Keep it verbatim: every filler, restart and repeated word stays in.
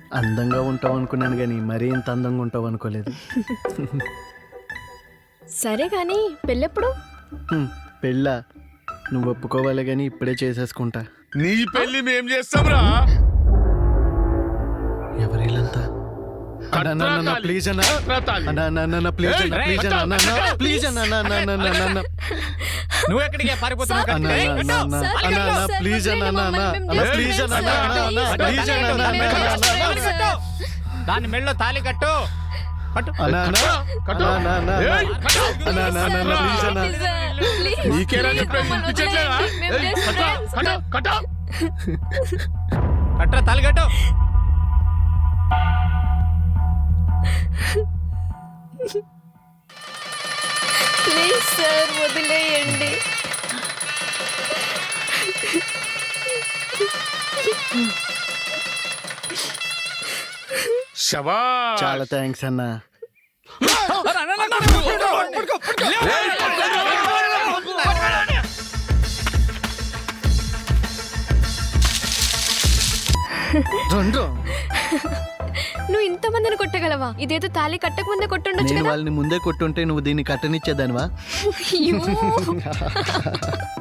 అందంగా ఉంటావు అనుకున్నాను కానీ మరీ ఇంత అందంగా ఉంటావు అనుకోలేదు. సరే కానీ పెళ్ళెప్పుడు? హ్మ్, పెళ్ళా? నువ్వు ఒప్పుకోవాలి కానీ ఇప్పుడే చేసేసుకుంటా. నీ పెళ్లి మేం చేస్తాంరా. ఎవరిలంతా? ప్లీజ్ అన్న, ప్లీజ్ అన్న, ప్లీజ్ అన్న, ప్లీజ్ అన్న, నువ్వు ఎక్కడికి పారిపోతున్నావు? ప్లీజ్ అన్న, ప్లీజ్ అన్న, దాని మెళ్ళో తాళి కట్టు. కట్టు నీకేరా కట్రా తాళి కట్టు. ప్లీజ్ సార్ వదిలేయండి. శభాష్. చాలా థ్యాంక్స్ అన్న. రెండు నువ్వు ఇంతమందిని కొట్టగలవా? ఇదేదో తాళి కట్టక ముందే కొట్టుండొచ్చు నేను కదా. వాళ్ళని ముందే కొట్టుంటే నువ్వు దీన్ని కట్టనిచ్చేదానివా? అయ్యో.